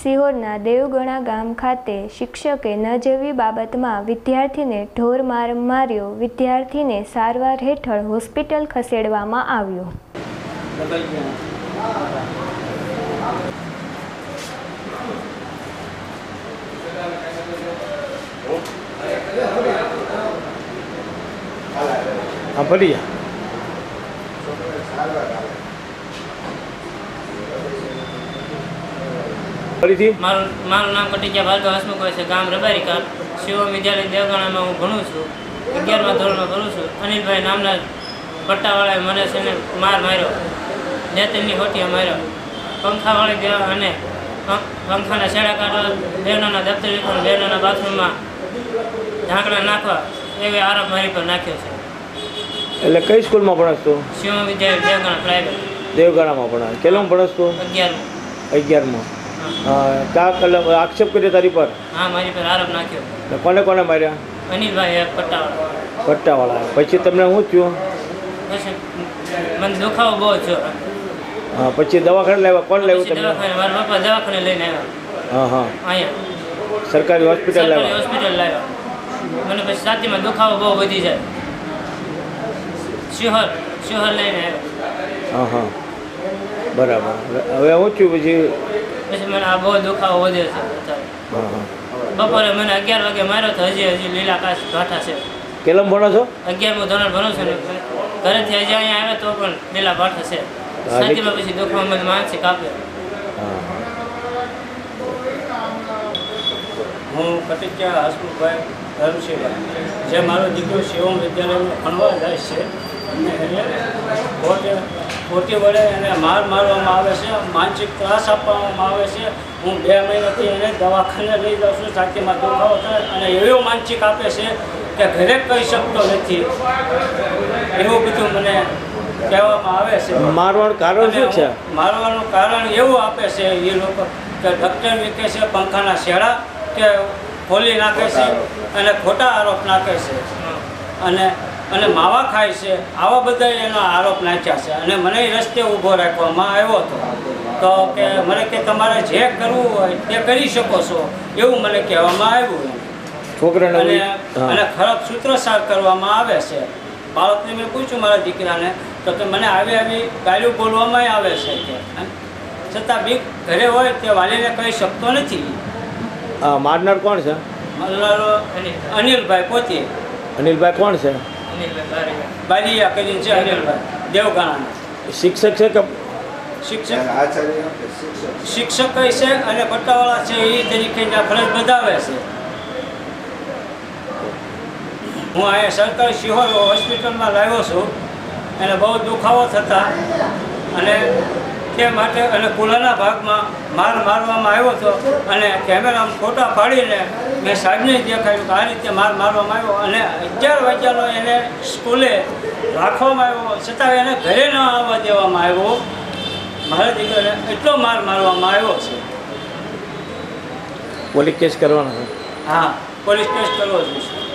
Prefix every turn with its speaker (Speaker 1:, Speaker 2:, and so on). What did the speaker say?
Speaker 1: સિહોરના દેવગણા ગામ ખાતે શિક્ષકે ન જેવી બાબતમાં વિદ્યાર્થીને ઢોર માર માર્યો. વિદ્યાર્થીને સારવાર હેઠળ હોસ્પિટલ ખસેડવામાં આવ્યો.
Speaker 2: મારું નામ કટિયા ભાર્ગવ હસમુખ છે. ગામ રબારીકા. શિવ વિદ્યાલય દેવગણામાં હું ભણું છું. 11મા ધોરણમાં ભણું છું. અનિલભાઈ નામના પટ્ટાવાળાએ મને છે ને માર્યો. નેતરની હોટીએ માર્યો. પંખાવાળી ગયા અને પંખાના છેડા કાઢવા, બહેનોના દફતર વિખોર, બહેનોના બાથરૂમમાં ઢાંકણા નાખવા એવી આરોપ મારી પર નાખ્યો છે.
Speaker 3: એટલે કઈ સ્કૂલમાં ભણસ તું?
Speaker 2: શિવ વિદ્યાલય દેવગણા પ્રાઇવેટ.
Speaker 3: દેવગણામાં ભણાય. કેટલામાં ભણસ તું? 11માં. ક્યાં કલમ આક્ષેપ કર્યો તારી પર?
Speaker 2: હા, મારી પર આરોપ નાખ્યો.
Speaker 3: કોને કોને માર્યા?
Speaker 2: અનિલભાઈ પટ્ટાવાળા.
Speaker 3: પટ્ટાવાળા. પછી તમને શું થયું?
Speaker 2: પછી મને દુખાવો બહુ થયો.
Speaker 3: હા, પછી દવાખાને લાવ્યા? કોણ લાવ્યું તમને?
Speaker 2: મારા પપ્પા દવાખાને લઈને આવ્યા.
Speaker 3: હા હા,
Speaker 2: અહીંયા
Speaker 3: સરકારી હોસ્પિટલ લાવ્યા?
Speaker 2: હોસ્પિટલ લાવ્યા. મને પછી છાતીમાં દુખાવો બહુ વધી જાય. શિહોર લઈને આવ્યા.
Speaker 3: હા હા, બરાબર. હવે શું થયું પછી?
Speaker 2: પછી મને આ બહુ દુખાવો વધે છે.
Speaker 3: હા હા,
Speaker 2: બપોરે મને 11 વાગે માર્યો તો હજી લીલા કાશ ભાઠા છે.
Speaker 3: કેટલામ ભણો છો?
Speaker 2: 11મું ધોરણ ભણું છું ને ઘરેથી હજી અહીંયા આવ્યો તો પણ લીલા ભાઠા છે. છાતીમાં પછી દુખવા મને માનસિક આપ્યો.
Speaker 4: હું કટિયા હસમુખભાઈ ધર્મશીભાઈ, જે મારો દીકરો શિવમ વિદ્યાલયમાં ભણવા જાય છે અને એને ખોટી વડે એને મારવામાં આવે છે, માનસિક ત્રાસ આપવામાં આવે છે. હું 2 મહિનાથી એને દવાખાને લઈ જાઉં છું. છાતીમાં દુખાવો થાય અને એવો માનસિક આપે છે કે ઘરે કહી શકતો નથી. એવું બધું મને કહેવામાં આવે છે.
Speaker 3: મારવાનું કારણ શું છે?
Speaker 4: મારવાનું કારણ એવું આપે છે એ લોકો કે ડૉક્ટર મૂકે છે, પંખાના છેડા કે ખોલી નાખે છે અને ખોટા આરોપ નાખે છે અને માવા ખાય છે. આવા બધા એનો આરોપ નાખ્યા છે અને મને રસ્તે ઊભો રાખવામાં આવ્યો હતો. તો કે મને કે તમારે જે કરવું હોય તે કરી શકો છો એવું મને કહેવામાં આવ્યું.
Speaker 3: છોકરાને
Speaker 4: અને ખરાબ સૂત્રસાર કરવામાં આવે છે. બાળકને મેં પૂછ્યું મારા દીકરાને તો કે મને આવી ગાળ્યું બોલવામાં આવે છે કે છતાં બી ઘરે હોય તે વાલીને કહી શકતો નથી.
Speaker 3: મારનાર કોણ છે?
Speaker 4: મારનારો અનિલભાઈ પોતે.
Speaker 3: અનિલભાઈ કોણ છે?
Speaker 4: બારીયા કરીને છે અનિલભાઈ, દેવગણાના.
Speaker 3: શિક્ષક છે કે?
Speaker 4: શિક્ષક કહે છે અને પટ્ટાવાળા છે એ તરીકેના ફરજ બજાવે છે. હું અહીંયા સરકારી શિહોર હોસ્પિટલમાં લાવ્યો છું. એને બહુ દુખાવો થતા અને તે માટે અને કુલાના ભાગમાં મારવામાં આવ્યો હતો અને કેમેરામાં ફોટા પાડીને મેં સાહેબને દેખાડ્યું કે આ રીતે મારવામાં આવ્યો અને 11 વાગ્યાનો એને સ્કૂલે રાખવામાં આવ્યો છતાં એને ઘરે ન આવવા દેવામાં આવ્યો. મારા દીકરાને એટલો મારવામાં આવ્યો છે.
Speaker 3: પોલીસ કેસ કરવાનો છે?
Speaker 4: હા, પોલીસ કેસ કરવો જોઈએ.